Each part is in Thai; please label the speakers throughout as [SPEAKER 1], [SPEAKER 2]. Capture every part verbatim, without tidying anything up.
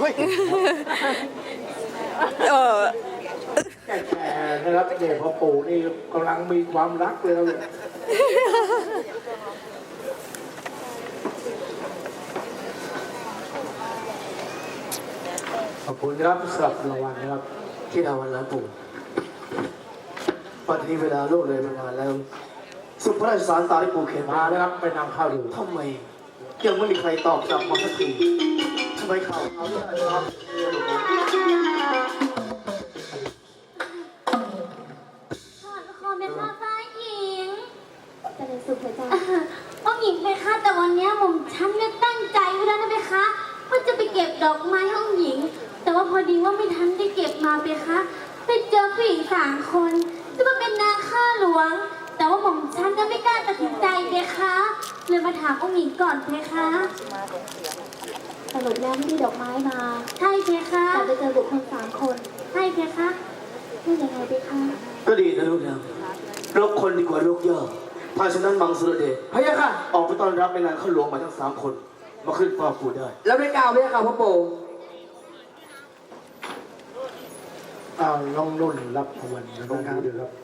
[SPEAKER 1] เออ
[SPEAKER 2] แก่ๆนะครับเด็กพ่อปู่นี่กำลังมีความรักเลยเราเนี่ยขอบคุณครับสำหรับรางวัลนะครับ
[SPEAKER 3] ที่ดาวันล้านปู่ปัจจุบันเวลาโลกเลยมานานแล้วสุพระราชสารตาที่ปู่เขียน
[SPEAKER 2] มา
[SPEAKER 3] มา
[SPEAKER 2] แล้วครับไปนำข้าวดู
[SPEAKER 3] ทำไมยังไม่มีใครตอบกลับมาสักทีทำไมข่าวเขาเรื่องอะไรครับ
[SPEAKER 4] ขอขอเป็นมาฟ้าหญิงจะเลยสุขเลยจ้าป้องหญิงเพคะแต่วันนี้หม่อมฉันเนี่ยตั้งใจไว้แล้วนะเพคะว่าจะไปเก็บดอกไม้ห้องหญิง แต่ว่าพอดีว่าไม่ทันได้เก็บมาเพคะไปเจอผู้หญิงสามคนจะมาเป็นนางข้าหลวง แต่ว่าหม่อมฉันก็ไม่กล้าตัดสินใจเพคะเลยมาถามองค์หญิงก่อนเพคะสรุปแล้วไม่ได้ดอกไม้มาใช่เพคะแต่ไปเจอบุคคลสามคนใช่เพคะพูดยังไงเพคะ
[SPEAKER 3] ก็ดีนะลูกนะลกคนดีกว่าลูกย่อถ้าฉะนั้นมังสุรเดช
[SPEAKER 5] พะยะค่ะ
[SPEAKER 3] ออกไปต้อนรับแม่นางข้าหลวงมาทั้งสามคนมาขึ้นเฝ้าปู่ได้
[SPEAKER 5] แล้วไม่กล่าวพะยะค่ะพ่อปู่
[SPEAKER 2] อ้าวน้องนุ่นรับรางวัลนะครับดูครับ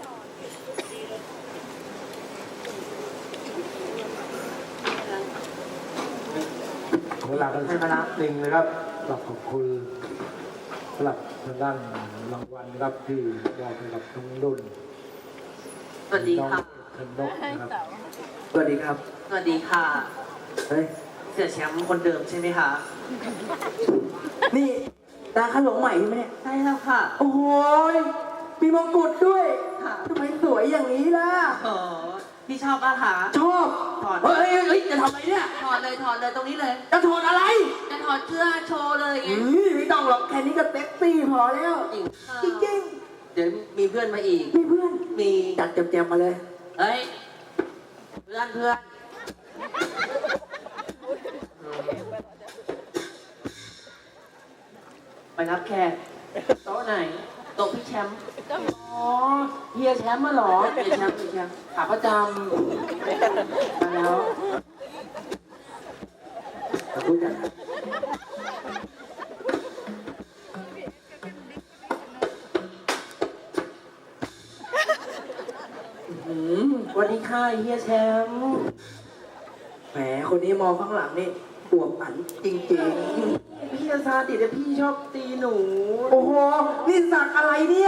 [SPEAKER 2] เวลากันสักนิดนึงนะครับขอบขอบคุณสำหรับทางด้านรางวัลนะครับที่มอบให้กับน้องนุ่น
[SPEAKER 6] สวัสดีค่ะ
[SPEAKER 2] น้องนกนะครับ
[SPEAKER 5] สวัสดีครับ
[SPEAKER 6] สวัสดีค่ะ
[SPEAKER 5] เฮ้ย
[SPEAKER 6] เสียแชมป์คนเดิมใช่ไหมคะ
[SPEAKER 5] นี่ตาข้าหลงใหม่ใช่ไหมเนี่ย
[SPEAKER 6] ใช่แล้วค่ะ
[SPEAKER 5] โอ้โหยมีมงกุฎด้วย
[SPEAKER 6] ค่ะ
[SPEAKER 5] ทำไมสวยอย่างนี้ล่ะ
[SPEAKER 6] อ๋อพี่ชอบป่ะคะ
[SPEAKER 5] ชอบ
[SPEAKER 6] ถอด
[SPEAKER 5] เฮ้ยเฮ้ยเฮ้ยจะทำอะไรเนี่ย
[SPEAKER 6] ถอดเลยถอดเลยตรงนี้เลย
[SPEAKER 5] จะถอดอะไร
[SPEAKER 6] จะถอดเสื้อโชว์เลยไง
[SPEAKER 5] อืมไม่ต้องหรอกแค่นี้ก็เซ็กซี่พอแล้ว
[SPEAKER 6] จริงค่ะ
[SPEAKER 5] จริง
[SPEAKER 6] เดี๋ยวมีเพื่อนมาอีก
[SPEAKER 5] ๆมีเพื่อน
[SPEAKER 6] มี
[SPEAKER 5] จัดแจมๆมาเลย
[SPEAKER 6] เฮ้ย เพื่อนเพื่อนไปรับแขกโต๊ะไหนโต๊ะพี่แชมป์อ๋อเฮียแชมป์มาเหรอเฮียแชมป์เฮียแชมป์ขาประจำมาแล้ว
[SPEAKER 5] ขอบคุณจ้ะ
[SPEAKER 6] อืมสวัสดีค่ะเฮียแชมป์
[SPEAKER 5] แหมคนนี้มองข้างหลังนี่อวบอันจริง
[SPEAKER 6] พี่ซาติแต่พี่ชอบตีหนู
[SPEAKER 5] ๆ โอ้โห นี่สักอะไรเนี่ย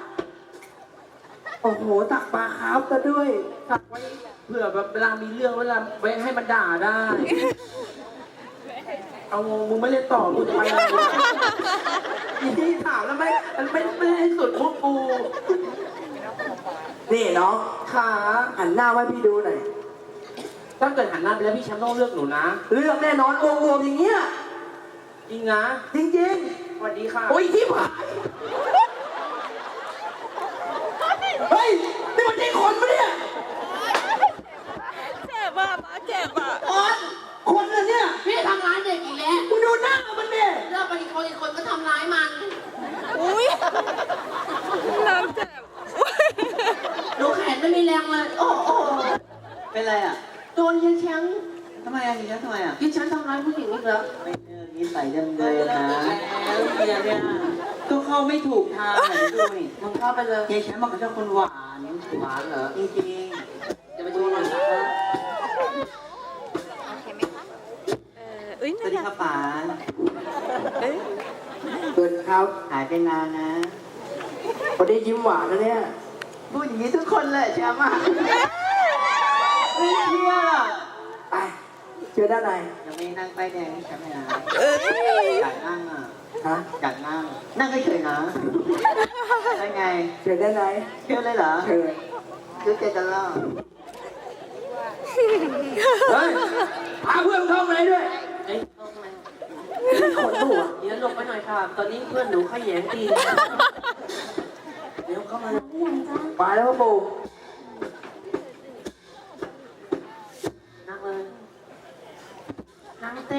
[SPEAKER 5] โอ้โห สักปลาคาร์ฟซะด้วย
[SPEAKER 6] สักไว้เผื่อแบบเวลามีเรื่องเวลาไว้ให้มันด่าได้ เอางงมึงไม่เล่นต่อกูจะไปอะไรวะอีที่ถามแล้วไม่มันไม่ไม่ให้สุดพวกกู
[SPEAKER 5] นี่น้อง
[SPEAKER 6] ขา
[SPEAKER 5] หันหน้าไว้พี่ดูหน่อย
[SPEAKER 6] ถ้าเกิดหันหน้าไปแล้วพี่แชมป์ต้องเลือกหนูนะ
[SPEAKER 5] เลือกแน่นอนโอ้โหอย่างเงี้ย
[SPEAKER 6] จริงนะ
[SPEAKER 5] จริง
[SPEAKER 6] สวัสดีค่ะ
[SPEAKER 5] ๆ โอ้ยที่ผายเฮ้ย นี่มันใช่คนปะเนี่ย
[SPEAKER 1] เจ็บอ่ะป้าเจ็บอ่ะ
[SPEAKER 5] คนคนเหรอเนี่ย
[SPEAKER 4] พี่ทำร้ายเด็กอีกแล้ว
[SPEAKER 5] มึงดูหน้ามันเนี่ย
[SPEAKER 4] เลิกไปอีกคนอีกคนก็ทำร้ายมัน
[SPEAKER 1] อุ้ยน้ำเจ็บอุ๊ย
[SPEAKER 4] ดูแขนไม่มีแรงเลย โอ้โห
[SPEAKER 6] เป็นไรอ่ะ
[SPEAKER 4] โดนเฮียแชมป์
[SPEAKER 6] ทำไมอ่ะเฮียทำไมอ่ะ
[SPEAKER 4] เฮียแชมป์ทำร้ายผู้หญิงอีกแล้ว
[SPEAKER 6] ไม่เจอนิสัยเดิมเลยนะเฮียเนี่ยก็เข้าไม่ถูกทางไหนด้วยมึงเข้าไปเลยเฮียแชมป์มันก็ชอบคนหวานหวานเหรอจริงๆจะไปดูหน่อยนะ
[SPEAKER 1] เอออุ้ย
[SPEAKER 6] สวัสดีครับป๋า
[SPEAKER 1] เอ้ย
[SPEAKER 5] เกินครับ
[SPEAKER 6] หายไปนานนะ
[SPEAKER 5] วันนี้ยิ้มหวานนะเนี่ย
[SPEAKER 6] พูดอย่างนี้ทุกคนเลยแชมป์อ่ะไม่เชื่อ
[SPEAKER 5] ไปเจอด้านใน
[SPEAKER 6] ยังไม่นั่งป้ายแดงให้แชมป์เลยนะ
[SPEAKER 1] เอ้ย
[SPEAKER 6] อยากนั่งอ่ะ
[SPEAKER 5] ฮะ
[SPEAKER 6] อยากนั่ง นั่งเฉยๆนะได้ไง
[SPEAKER 5] เจอด้านใน
[SPEAKER 6] เชื่อเลยเหรอ
[SPEAKER 5] เชิญ
[SPEAKER 6] ซื้อเจกันแล้ว
[SPEAKER 5] เฮ้ย พาเพื่อนเข้ามาเลยด้วย
[SPEAKER 6] เอ้ยเข้ามา
[SPEAKER 5] คนหัว
[SPEAKER 6] เดี๋ยวหลบไปหน่อยค่ะ ตอนนี้เพื่อนหนูขยแยงตีเดี๋ยวเข้ามา
[SPEAKER 5] ไปแล้วพ่อปู่
[SPEAKER 6] นั่งเลยนั่งเต้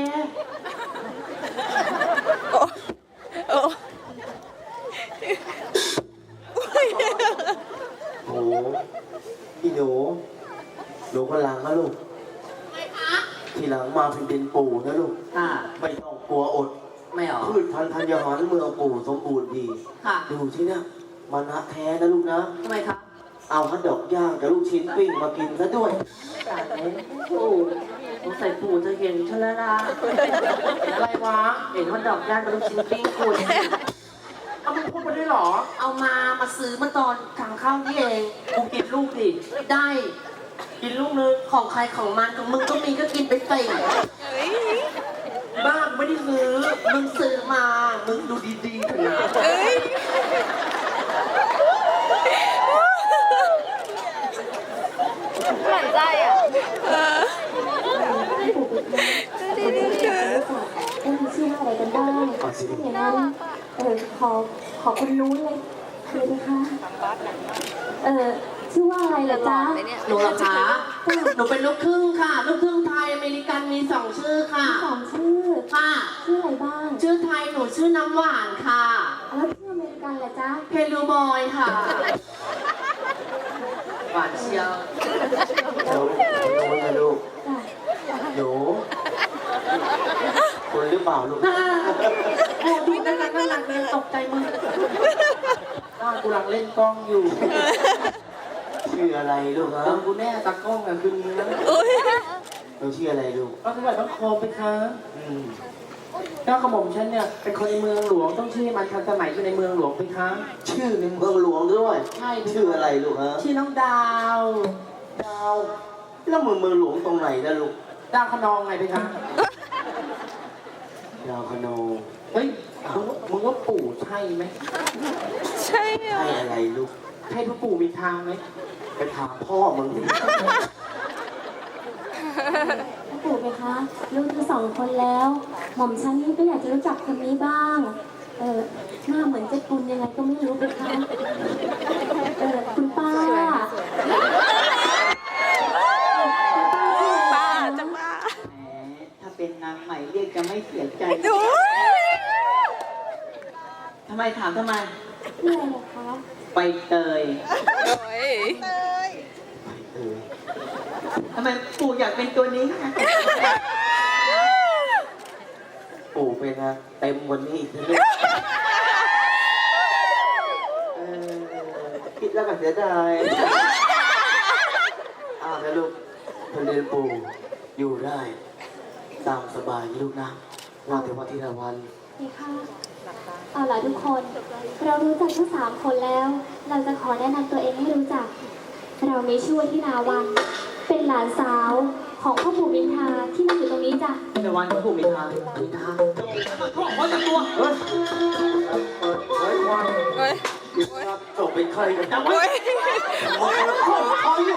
[SPEAKER 1] โอ้โอ้อุ๊ย
[SPEAKER 3] โอ้โหพี่หนูหนูคนหลังนะลูก
[SPEAKER 4] ไงคะ
[SPEAKER 3] ทีหลังมาเป็นดินปู่นะลูก
[SPEAKER 6] ค่ะ
[SPEAKER 3] ไม่ต้องกลัวอด
[SPEAKER 6] ไม่หรอ
[SPEAKER 3] พืชพันธุ์ธัญญาหารเมืองปู่สมบูรณ์ดี
[SPEAKER 6] ค่ะ
[SPEAKER 3] ดูที่เนี่ยมานะแท้นะลูกนะ
[SPEAKER 6] ทำไมครับ
[SPEAKER 3] เอาฮัทดอกย่างกับลูกชิ้นปิ้งมากินซะด้วย
[SPEAKER 6] จ่ายเลยปู่สงสัยปู่จะเห็นฉันแล้วล่ะเห็นอะไรวะ เห็นว่าดอกย่างกับลูกชิ้นปิ้งคุณเอามึงพูดมาด้วยเหรอ เอามา มาซื้อมาตอนทางเข้านี่เองกูกินลูกดิ ได้ กินลูกนึงของใครของมันของมึงก็มีก็กินไปใส่
[SPEAKER 1] เฮ้ย
[SPEAKER 6] บ้าไม่ได้ซื้อ มึงซื้อมา มึงดูดีๆเถอะนะ
[SPEAKER 1] เอ้ยหวั่นใจอ่ะเออดีดีดี
[SPEAKER 4] เอ้ยชื่อว่าอะไรกันบ้างถ้าอย่างนั้นเออขอขอคนรู้เลยเลยนะคะเออชื่อว่าอะไรเหรอจ๊ะ
[SPEAKER 6] หนูเหรอคะ หนูเป็นลูกครึ่งค่ะ ลูกครึ่งไทยอเมริกันมีสองชื่อค่ะ
[SPEAKER 4] สองชื่อ
[SPEAKER 6] ค่ะ
[SPEAKER 4] ชื่ออะไรบ้าง
[SPEAKER 6] ชื่อไทยหนูชื่อน้ำหวานค่ะ
[SPEAKER 4] แล้วชื่ออเมริกันเหรอจ๊ะ
[SPEAKER 6] เพลูบอยค่ะ หวานเชียว
[SPEAKER 3] หนูหนูนะลูก
[SPEAKER 4] จ้ะ
[SPEAKER 3] หนูคนหรือเปล่าลูก
[SPEAKER 6] โอ้ดูนั่นนั่นนั่นเลยตกใจมึงน่ากูกำลังเล่นกล้องอยู่
[SPEAKER 3] ชื่ออะไรลูกฮะ
[SPEAKER 6] ตอนกูแน่ตากล้องอ่ะคือมึงนะ
[SPEAKER 1] โอ้ย
[SPEAKER 3] หนูชื่ออะไรลูก
[SPEAKER 6] ก็สมัยต้องโคมไปคะ
[SPEAKER 3] อืม
[SPEAKER 6] เจ้ากระหม่อมฉันเนี่ยเป็นคนในเมืองหลวงต้องชื่อมันทันสมัยอยู่ในเมืองหลวงไปคะ
[SPEAKER 3] ชื่อในเมืองหลวงด้วย
[SPEAKER 6] ใช่
[SPEAKER 3] ชื่ออะไรลูกฮะ
[SPEAKER 6] ชื่อน้องดาว
[SPEAKER 3] ดาว แล้วเมืองเมืองหลวงตรงไหนนะลูก
[SPEAKER 6] ดาวขนองไงไปคะ
[SPEAKER 3] ดาวคโน
[SPEAKER 6] เฮ้ยมึงว่ามึงว่าปู่ใช่ไหม
[SPEAKER 1] ใช่อ่ะ
[SPEAKER 3] ใช่อะไรลูก
[SPEAKER 6] ใช่พ่อปู่มีทางไหม
[SPEAKER 3] ไปถามพ่อมึงดิ
[SPEAKER 4] พ่อปู่ไหมคะรู้ทั้งสองคนแล้ว หม่อมฉันนี่ก็อยากจะรู้จักคนนี้บ้าง เออหน้าเหมือนเจ๊ปุนยังไงก็ไม่รู้ไหมคะเออคุณป้าคุณป้าชื่ออะไร
[SPEAKER 1] ป้า
[SPEAKER 4] คะ
[SPEAKER 1] จังป้า
[SPEAKER 6] แหมถ้าเป็นนางใหม่เรียกจะไม่เสียใจ
[SPEAKER 1] โอ้ย
[SPEAKER 6] ทำไมถามทำไม
[SPEAKER 4] ชื่ออะไรเหรอคะ
[SPEAKER 6] ไปเตย
[SPEAKER 1] โอ้ย
[SPEAKER 3] เออ
[SPEAKER 6] ทำไมปู่อยากเป็นตัวนี้คะ
[SPEAKER 3] ปู่เป็นนะเต็มวันนี้อีกเลยเออคิดแล้วก็เสียดายอ้าวนะลูกพอเรียนปู่อยู่ได้ ตามสบายนะลูกนะว่าแต่ว่าที่ละวัน
[SPEAKER 4] นี่ค่ะเอาล่ะทุกคน เรารู้จักทั้งสามคนแล้ว เราจะขอแนะนำตัวเองให้รู้จัก เรามีชื่อว่าที่นาวัน เป็นหลานสาวของพ่อปู่มินทาที่มาอยู่ตรงนี้จ้ะ
[SPEAKER 6] แต่วันพ่อปู่มีทางมีทางพ่อขอจับตัว
[SPEAKER 3] เฮ้ยเปิดเผยความ
[SPEAKER 1] โอ้ย
[SPEAKER 3] อิสระจบเป็นใครกันจัง
[SPEAKER 1] โอ้
[SPEAKER 3] วะ
[SPEAKER 1] ย
[SPEAKER 3] โอ้ยข้อเขาอยู่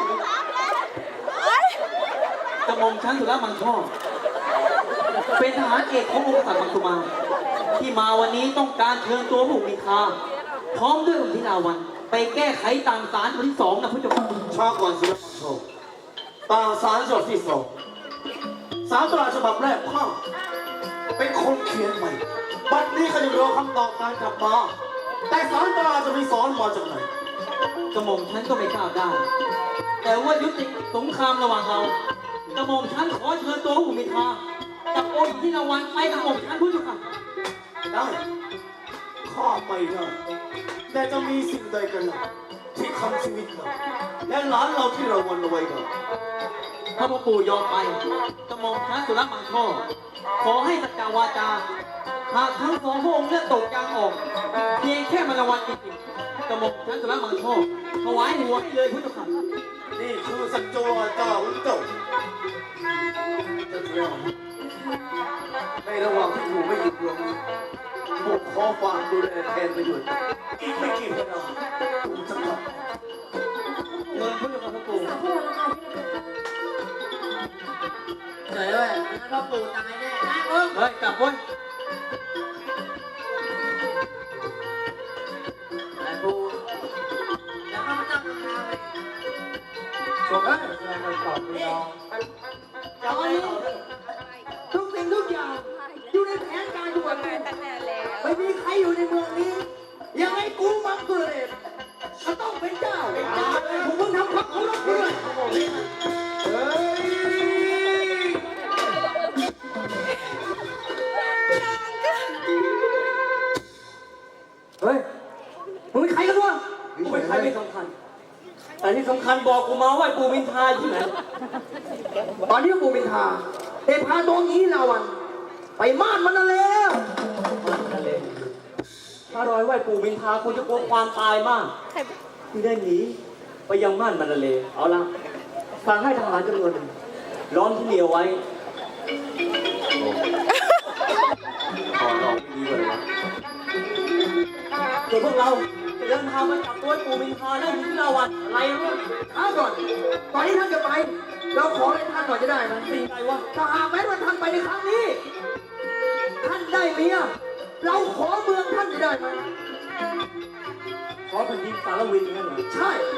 [SPEAKER 6] กระหม่อมชั้นสุรมังช่อเป็นทหารเอกขององค์กษัตริย์มังคุมาที่มาวันนี้ต้องการเชิญตัวผู้มีทาพร้อมด้วยองค์ธิราวัน ไปแก้ไขตามสารวันที่สองนะพระเจ้าค่ะ
[SPEAKER 3] ชาก่อนสุรมังโชตามสารฉบับที่สองสารตราฉบับแรกพ่อเป็นคนเขียนใหม่บัดนี้เขาจะรอคำตอบการกลับมา แต่สารตราจะมีสอนมาจากไหน
[SPEAKER 6] กระหม่อมชั้นก็ไม่ทราบได้ แต่ว่ายุติสงครามระหว่างเรากระหม่อมชั้นขอเชิญตัวผู้มีทากับองค์ธิราวันไปกระหม่อมชั้นพระเจ้าค่ะ
[SPEAKER 3] ได้ข้าไปได้แต่จะมีสิ่งใดกันล่ะที่ทำชีวิตเราและหลานเราที่เราวันเอาไว้กัน
[SPEAKER 6] ถ้าพ่อปู่ยอมไปกระหม่อมชั้นสุรมังช่อขอให้สัจจาวาจา หากทั้งสองพระองค์เลือดตกยางออก เพียงแค่มรวันจริงๆกระหม่อมชั้นสุรมังช่อถวายหัวให้เลยพุทธค่ะ
[SPEAKER 3] นี่คือสัจจวาจาของเจ้าจะเที่ยวในระหว่างที่ปู่ไม่อยู่เมืองนี้ปู่ขอฝากดูแลแทนประโยชน์อีกไม่กี่เวลาปู่จะกลับ
[SPEAKER 6] เงินพุทธค่ะพ่อปู่
[SPEAKER 4] สามคนละค่ะ
[SPEAKER 6] เฉยเลยพ่อปู่ตายแน่เฮ้ยกลับเว้ยไอ้ปู่แล้วข้าพเจ้าทำงานเลย
[SPEAKER 3] ส่งให้แสดงการตอบคุณน้อง
[SPEAKER 6] ตอนนี้ทุกสิ่งทุกอย่างอยู่ในแผนการทุกวันนี้
[SPEAKER 1] ตั้งนานแล้ว
[SPEAKER 6] ไม่มีใครอยู่ในเมืองนี้ ยังไงกูมังกรเดชก็ต้องเป็นเจ้าเป็นเจ้าผมมึงทำความเคารพด้วย
[SPEAKER 3] เฮ้ย
[SPEAKER 6] ทันบอกกูมาว่าปูมินทาที่ไหน
[SPEAKER 5] ตอนนี้ปู่มินทาได้พาตัวงี้ลาวัน ไปม่านมันแล้ว
[SPEAKER 6] ถ้ารอยไหวปูมินทาคงจะกลัวความตายมากที่ได้หนีไปยังม่านมันเลเอาละฟังให้ทหารจำนวนหนึ่งล้อมที่เหนียวไว้
[SPEAKER 3] ขอลองดีกว่าเลยวะ
[SPEAKER 6] ส่วนพวกเราจะเดินทางมาจับตัวปูมินทาได้ที่ลาวันอะไรรู้
[SPEAKER 5] ช้าก่อน ตอนนี้ท่านจะไป เราขอให้ท่านหน่อยจะได้ไหม
[SPEAKER 6] สิ่งใดวะ
[SPEAKER 5] ถ้าหากแม้ว่าท่านไปในครั้งนี้ ท่านได้เมีย เราขอเมืองท่านจะได้ไหม
[SPEAKER 6] ขอแผ่นดินสารวินนั่นเหรอ
[SPEAKER 5] ใช่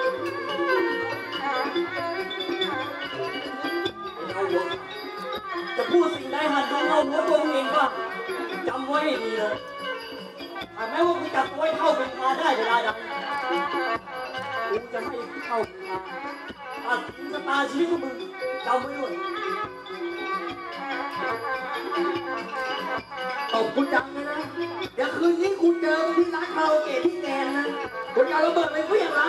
[SPEAKER 6] เอาหัวจะพูดสิ่งใดหันดูเอาหัวตัวมึงเองว่าจำไว้ให้ดีเลยหากแม้ว่ากูจับตัวไอ้เท่าเป็นทาได้เวลาใดกูจะให้เท่าเป็นทาตัดสินชะตาชีวิตของมึงจำไว้ด้วย
[SPEAKER 5] ตบกูจังเลยนะ เดี๋ยวคืนนี้กูเจอที่ร้านคาราโอเกะที่แกนนะกูจะเอาระเบิดไปเพื่ออย่างไร